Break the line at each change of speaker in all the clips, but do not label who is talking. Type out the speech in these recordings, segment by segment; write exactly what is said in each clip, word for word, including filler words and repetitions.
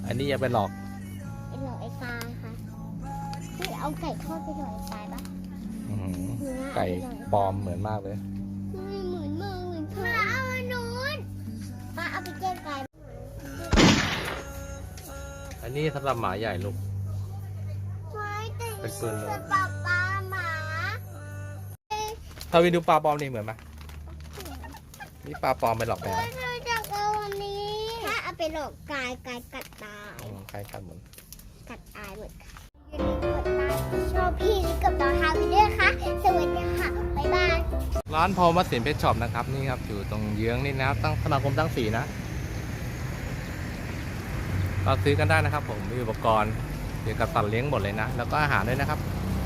อันนี้อย่าไปหลอก
ไปหลอกไอ้ตายค่ะที่เอาไก่ทอดไปหลอกไอ้ตายปะ
ไก่ปลอมเหมือนมากเลย
ไม่เหมือนมากเหมือนมาเอาอันนู้นมาเอาไปแก้ไก่
อันนี้สำหรับหมาใหญ่ลูก
เป็นปืนเลยปลาปลาหมา
ถ้าวินดูปลาปลอมนี่เหมือนไหมนี่ปลาปลอมไปหลอกแมว
จากวันนี้ถ้าเอาไปหลอกกายกายกัดตาย
ใครกัดเหมือน
กัดตายเหมือนกันอย่าลืมกดไลค์ชอบพี่กับน้องฮาวิเดอร์ค่ะสวัสดีค่ะบ๊ายบาย
ร้านพอลมัสสินเพชรช็อปนะครับนี่ครับอยู่ตรงเยื้องนี่นะตั้งสมาคมตั้งสีนะเราซื้อกันได้นะครับผมมีอุปกรณ์เกี่ยวกับสัตว์เลี้ยงหมดเลยนะแล้วก็อาหารด้วยนะครับ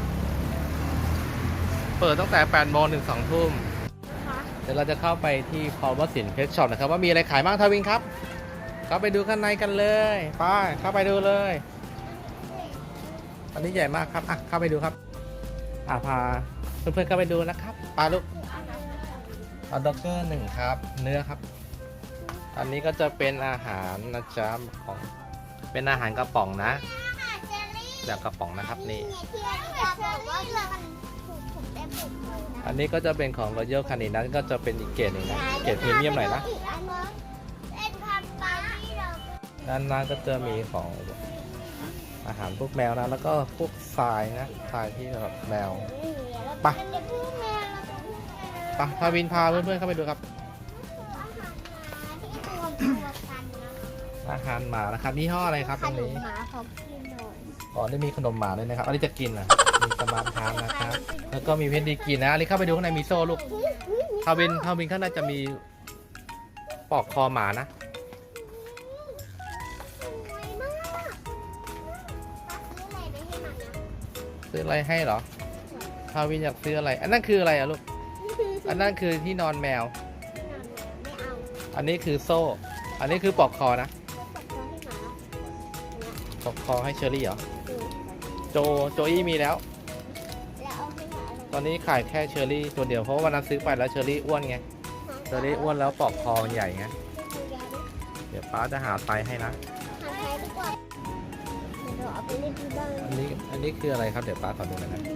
เปิดตั้งแต่แปดโมงถึงสองทุ่มเดี๋ยวเราจะเข้าไปที่พอลมัสสินเพชรช็อปนะครับว่ามีอะไรขายบ้างทวินครับเข้าไปดูข้างในกันเลยไปเข้าไปดูเลยอันนี้ใหญ่มากครับอ่ะเข้าไปดูครับอ่ะพาเพื่อนๆเข้าไปดูนะครับปลาลูกเอาด็อกเกอร์หนึ่งครับเนื้อครับอันนี้ก็จะเป็นอาหารนะจ๊ะของเป็นอาหารกระป๋องนะแบบกระป๋องนะครับนี่อันนี้ก็จะเป็นของ Royal Canin นั้นก็จะเป็นอีกเกรดหนึ่งนะเกรดพรีเมียมหน่อยนะด้านหน้าก็จะมีของอาหารพวกแมวนะแล้วก็พวกทรายนะทรายที่สำหรับแมวไปไปพาวินพาเพื่อนๆเข้าไปดูครับอาหารหมานะครับนี่ห้ออะไรครับตรงนี้อ๋อได้มีขนมหมาด้วยนะครับอันนี้จะกินนะมีสมาร์ทฮาร์ทนะครับแล้วก็มีเพชรดีกินนะอันนี้เข้าไปดูข้างในมีโซ่ลูกพาวินพาวินข้างในจะมีปอกคอหมานะซื้ออะไรให้เหรอพาวินอยากซื้ออะไรอันนั้นคืออะไรอะลูกอันนั้นคือที่นอนแมวอันนี้คือโซ่อันนี้คือปอกคอนะปอกคอให้เชอรี่เหรอโจโจอี้มีแล้วตอนนี้ขายแค่เชอรี่ตัวเดียวเพราะว่าวันนั้นซื้อไปแล้วเชอรี่อ้วนไงเชอรี่อ้วนแล้วปอกคอใหญ่ไงเดี๋ยวป้าจะหาไซส์ให้นะอันนี้อันนี้คืออะไรครับเดี๋ยวป้าขอดูหน่อยนะ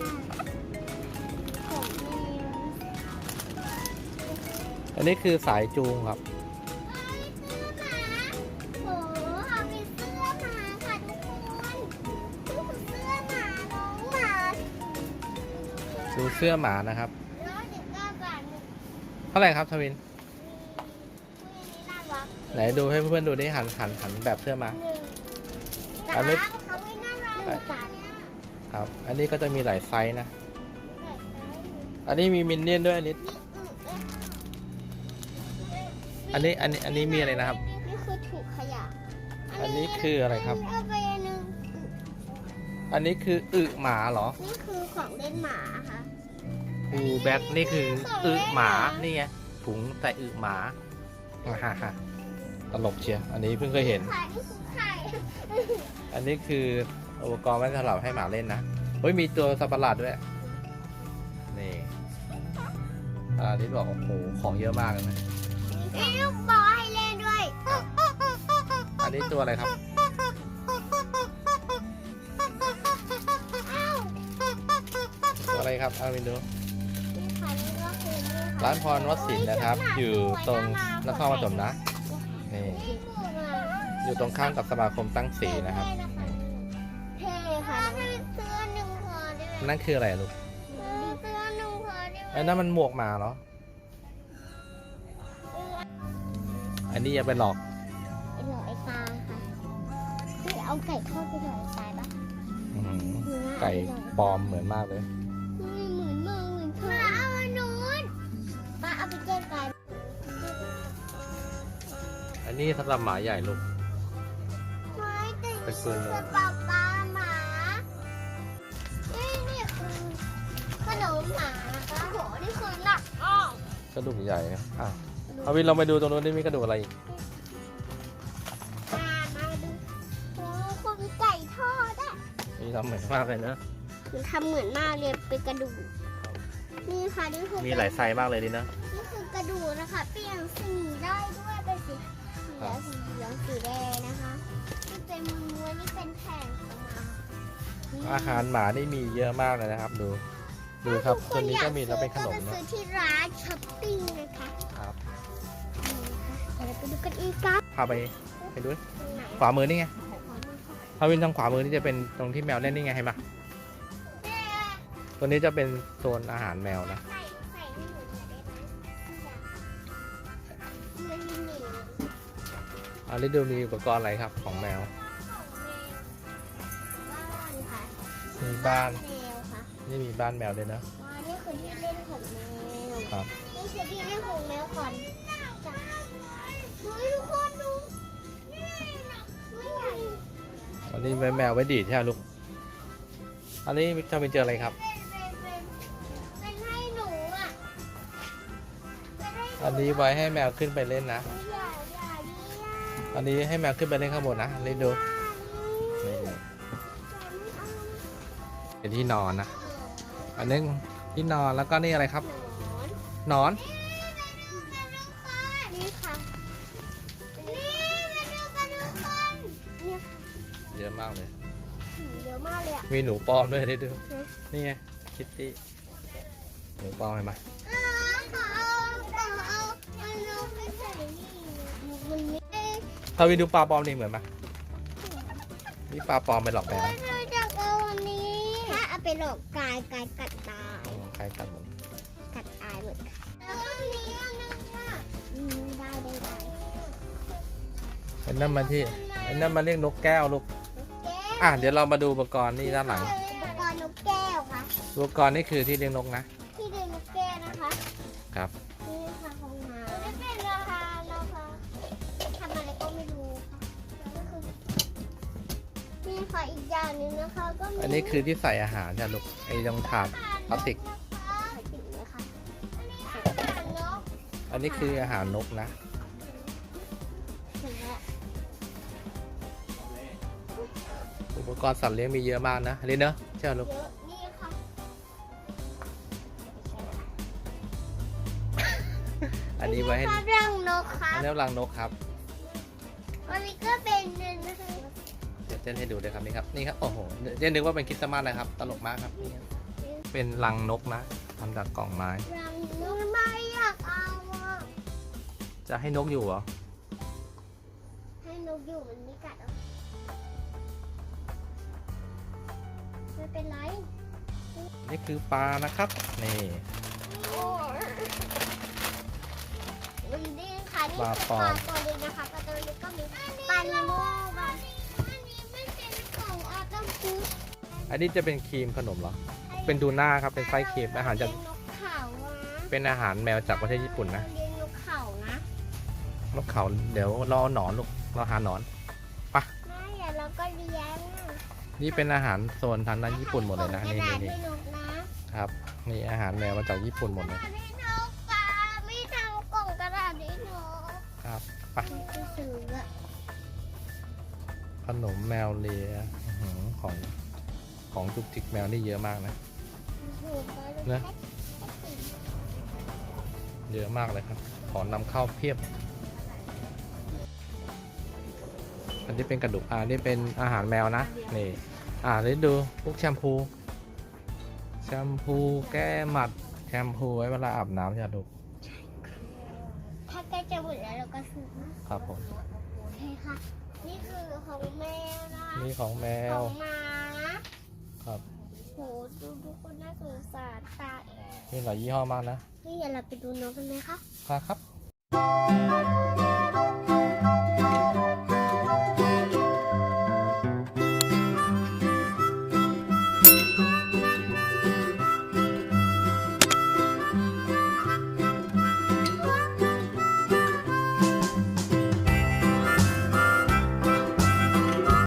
อันนี้คือสายจูงครับดูเสื้อหมานะครับเท่าไหร่ครับทวินไหนดูให้เพื่อนๆดูได้หันหันหันแบบเสื้อมาอันนี้ครับอันนี้ก็จะมีหลายไซส์นะอันนี้มีมินเนี่ยนด้วยอันนี้อันนี้อันนี้อันนี้มีอะไรนะครับ
นี่คือถุงขยะ
อันนี้คืออะไรครับอันนี้คืออึหมาเหรอ
นี่คือของเล่นหมาค่ะ
อูแบ็คนี่คืออึหมานี่ไงถุงใส่อึหมาฮ่าฮ่าตลกเชียวอันนี้เพิ่งเคยเห็นอันนี้คืออุปกรณ์ไว้สำหรับให้หมาเล่นนะเฮ้ยมีตัวสัตว์ประหลาดด้วยนี่อันนี้บอกโอ้โหของเยอะมากเลยนะ
มีลูกบอลให้เล่นด้วย
อันนี้ตัวอะไรครับตัวอะไรครับเอาไปดูร้านพรวัดศิลป์นะครับอยู่ตรงนครปฐมนะนี่อยู่ตรงข้ามกับสมาคมตั้งสีนะครับ
เท่ค่ะเสื้อหนึ่งพอได้
นั่นคืออะไรลูก
เสื้อหนึ่งพอได้
ไอ้นั่นมันหมวกหมาเหรออันนี้อย่าไปหลอก
ไปหลอกไอ้ตายค่ะที่เอาไก่ทอดไปหลอกไอ้ตายปะ
ไก่ปลอมเหมือนมากเลย
ไม่เหมือนมากเหมือนมาเอาอันนู้นมาเอาไปแก้ไก่
อันนี้สำหรับหมาใหญ่ลูก
เป็นปืนเลยปลาปลาหมานี่นี่คือขนมหมาค่ะโหนี่คือหนักอ้อก
ระดูกใหญ่อ่ะเอาวินเราไปดูตรงนู้นนี่มีกระดูกอะไรอีก
มาดูโอ้คนไก่ทอดอ่ะ
นี่ทำเหมือนมากเลยนะ
มันทำเหมือนมากเลยเป็นกระดูกนี่ค่ะนี่คือ
มีหลายไซส์มากเลยดินะ
นี่คือกระดูกนะคะเปลี่ยนสีได้ด้วยเป็นสีเหลืองสีเหลืองสีแดงนะคะเป็นแผ่นของหมา
อาหารหมานี่มีเยอะมากเลยนะครับ ดูดูครับตัวนี้ก็มีแล้วเป็นขนม
ก็ไป
นะ
ซื้อที่ร้านช้อปปิ้งนะคะ
ครับ
เดี๋ยวเราไปดูกันอีกครับ
พาไปไปดูขวามือนี่ไงถ้าวินทางขวามือนี่จะเป็นตรงที่แมวเล่นนี่ไงเห็นปะตัวนี้จะเป็นโซนอาหารแมวนะ
ใส่ใส่ให้หนูหน่อยได้ไหมมันมีหนี
อันนี้ดูมีอุปกรณ์อะไรครับของแมว
บ้านค่ะ
มีบ้าน
แมวค่ะ
นี่มีบ้านแมวด้วยนะ
ว้านี่คือที่เล่นของแมว
ครับ
นี่คือที่เล่นของแมวก่อนจ้ะเฮ้ยทุกคนดูนี่ไม่ใหญ่
อันนี้ไว้แมวไว้ดีดใช่ไหมลูกอันนี้จะเป็นเจออะไรครับ
เป็นเป็นเป็นเป็นให้หนูอ่ะเป็นให้ห
อันนี้ไว้ให้แมวขึ้นไปเล่นนะ
อย่าอย่าดิอ่ะ
อันนี้ให้แมวขึ้นไปเล่นข้างบนนะเล่นดูนี่เป็นที่นอนนะ อันนี้ที่นอนแล้วก็นี่อะไรครับ
หนอน
หนอน
นี่ค่ะนี่มาดูกันทุกคนเนี่ย
เยอะมากเลย
เยอะมากเลยอ่ะ
มีหนูปลอมด้วยได้ดูนี่ไงคิตตี้หนูปลอมเห็นไหม
อ๋อขอเอาขอเอามันเอาไปใส่นี่มันไม่ได้
ถ้าวินดูปลาปลอมนี่เหมือนไหมนี่ปลาปลอมไปหลอกแมว
เราจะเอาอันนี้ถ้าเอาไปหลอกกายกายกัดตาย
อืมใครกันหมด
กัดตายหมดค่ะแล้วอันนี้อันนึงอ่ะอืมได้ได้ได้
ไอ้นั่นมาที่ไอ้นั่นมาเรียกนกแก้วลูก
แก้ว
อ่ะเดี๋ยวเรามาดูอุปกรณ์นี่ด้านหลัง
อุปกรณ์นกแก้วค่ะ
อุปกรณ์นี่คือที่เลี้ยงนกนะ
ที่เดินนกแก้วนะคะ
ครับ
นี่ค่ะของหมาไม่เป็นราคานะคะทำอะไรก็ไม่รู้ค่ะแล้วก็คือนี่ค่ะอีกอย่างหนึงนะคะก็มี
อันนี้คือที่ใส่อาหารจ้ะลูกไอ้ตรงถาดพลาสติก
นะคะติดเลยค่ะอันนี้อาหารนก
อันนี้คืออาหารนกนะ
เสร็จแล้ว
อุปกรณ์สัตว์เลี้ยงมีเยอะมากนะเล่นเนอะใช่ไหมลูก
เยอะนี่ค่ะ
อันนี้ไว้ให้
ภาพรังนกครั
อั
บ
นนี้รังนกครับ
อันนี้ก็เป็นเงินนะคะ
เดี๋ยวเต้นให้ดูเลยครับนี่ครับนี่ครับโอ้โหเต้นนึกว่าเป็นคริสต์มาสนะครับตลกมากครับนี่ครับเป็นรังนกนะทำจากกล่องไม้
รังนกไม่อยากเอาอ่ะ
จะให้นกอยู่เหรอ
ให้นกอยู่มันไม่กัดหรอกไม่เป็นไร
นี่คือปลานะครับนี่
โอ้ยมันดีค่ะนี่
ปลา
คือ
ปลอ
ปลาม ตัวนี้นะคะปลาตัวนี้ก็มีปลานิโม่ปลาอันนี้ไม่เป็นของออตัมฟูด
อันนี้จะเป็นครีมขนมเหรอเป็นดูน่าครับเป็นไส้ครีมอาหารจาก
เลี้ยงนกเขานะ
เป็นอาหารแมวจากประเทศญี่ปุ่นนะ
เลี้ยงนกเขานะ
นกเขาเดี๋ยวรอหนอนลูกเราหาหนอน
ไม่เดี๋ยวเราก็เลี้ยง
นี่เป็นอาหารโซนทางด้านญี่ปุ่นหมดเลยนะ
กระ
นี่
ดาษ
นี่
ให้นกนะครับ
นี่อาหารแมวมาจากญี่ปุ่นหมดเลย
ให้นกปลาไม่ทำกล่องกระดาษให้นก
ครับไป
ก็ซื้ออะ
ขนมแมวเลียอื้อหือของของจุกจิกแมวนี่เยอะมากนะ นะ เยอะมากเลยครับ ของนำเข้าเพียบ อันนี้เป็นกระดูกอ่านี่เป็นอาหารแมวนะนี่อ่านี่ดูพวกแชมพูแชมพูแก้หมัดแชมพูไว้เวลาอาบน้ำใช่ไหมลูก
ถ้าใกล้จะหมดแล้วเราก็ซื้อนะครับ
ผม
โอเคค่ะ นี่คือของแมวนะ
นี่ของแม
ข
ว
องหมา
ครับ
โหดูทุกคนน่าสงสารตาแอบ
มีหลายยี่ห้อมากนะ
นี่อย่าเราไปดูนกกันไหมคะ
ครับ